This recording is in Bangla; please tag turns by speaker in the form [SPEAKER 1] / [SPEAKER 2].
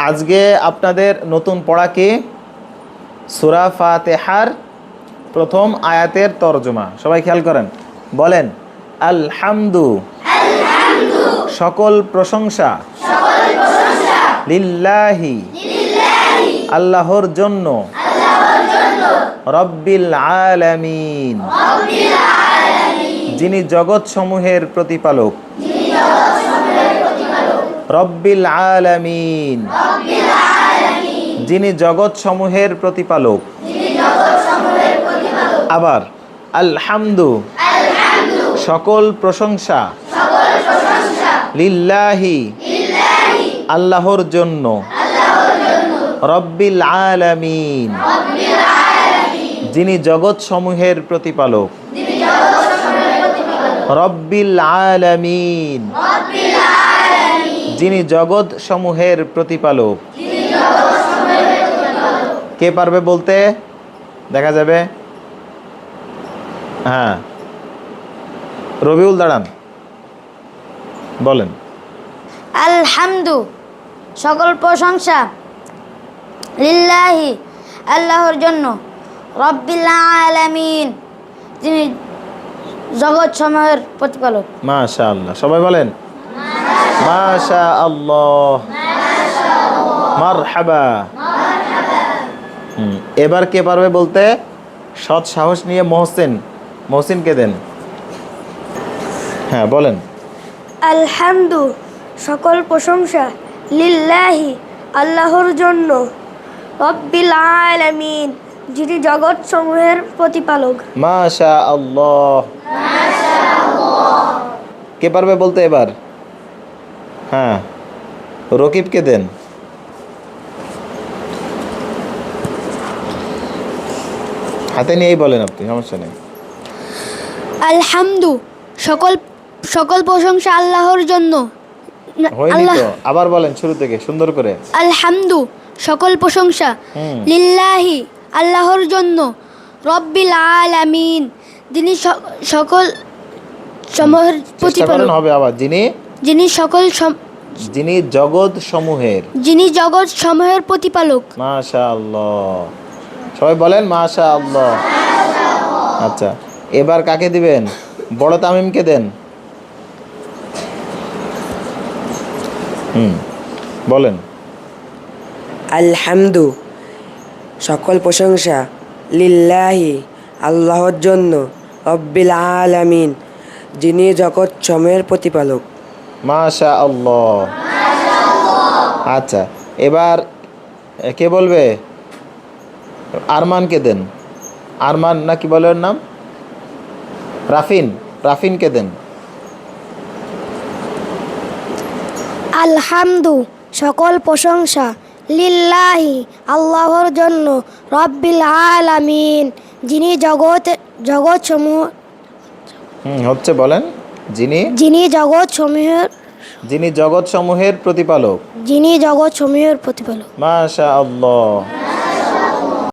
[SPEAKER 1] আজকে আপনাদের নতুন পড়া কি? সূরা ফাতিহার প্রথম আয়াতের তরজমা। সবাই খেয়াল করেন, বলেন আলহামদু, সকল প্রশংসা, লিল্লাহি, আল্লাহর জন্য, রব্বিল আলামিন, যিনি জগৎ সমূহের প্রতিপালক। রব্বিল আলামিন, যিনি জগৎ সমূহের প্রতিপালক। আবার আলহামদু, সকল প্রশংসা, লিল্লাহি, আল্লাহর জন্য, রব্বিল আলামিন, যিনি জগৎ সমূহের প্রতিপালক। রব্বিল আলামিন, যিনি জগৎ সমূহের প্রতিপালক। কে পারবে বলতে? দেখা যাবে। হ্যাঁ, রবিউল দাঁড়ান, বলেন।
[SPEAKER 2] আলহামদু, সকল প্রশংসা, লিল্লাহি, আল্লাহর জন্য, রব্বিল আলামিন, যিনি জগৎ সমূহের প্রতিপালক।
[SPEAKER 1] মাশাআল্লাহ, সবাই বলেন মাশাআল্লাহ, মারহাবা। এবার কে পারবে বলতে? সৎ সাহস নিয়ে মহসিনকে দেন। হ্যাঁ, বলেন।
[SPEAKER 3] আলহামদু, সকল প্রশংসা, লিল্লাহি, আল্লাহর জন্য, রব্বিল আলামিন, যিনি জগৎ সমূহের প্রতিপালক।
[SPEAKER 1] মাশাআল্লাহ। কে পারবে বলতে এবার? হ্যাঁ, রকিবকে দেন। হাতে নিয়েই বলেন আপনি, সমস্যা নেই।
[SPEAKER 3] আলহামদু, সকল প্রশংসা আল্লাহর জন্য।
[SPEAKER 1] হয়নি তো, আবার বলেন শুরু থেকে সুন্দর করে।
[SPEAKER 3] আলহামদু, সকল প্রশংসা, লিল্লাহি, আল্লাহর জন্য, রব্বিল আলামিন, যিনি সকল সমূহের প্রতিপালক।
[SPEAKER 1] হবে আবার, যিনি জগৎ সমূহের
[SPEAKER 3] প্রতিপালক।
[SPEAKER 1] মাশাআল্লাহ, সবাই বলেন মাশাআল্লাহ। আচ্ছা, এবার কাকে দিবেন? বড় তামিমকে দেন। বলেন।
[SPEAKER 4] আলহামদু, সকল প্রশংসা, লিল্লাহি, আল্লাহর জন্য, রব্বিল আলামিন, যিনি জগৎ সমূহের প্রতিপালক।
[SPEAKER 1] মাশাআল্লাহ। আচ্ছা, এবার কে বলবে? আরমানকে দেন। আরমান না কি বলে ওর নাম? রাফিনকে দেন।
[SPEAKER 3] আলহামদু, সকল প্রশংসা, লিল্লাহি, আল্লাহর জন্য, রব্বিল আলামিন, যিনি জগৎ সমূহ
[SPEAKER 1] হচ্ছে বলেন। যিনি জগৎ সমূহের প্রতিপালক।
[SPEAKER 3] মাশাআল্লাহ।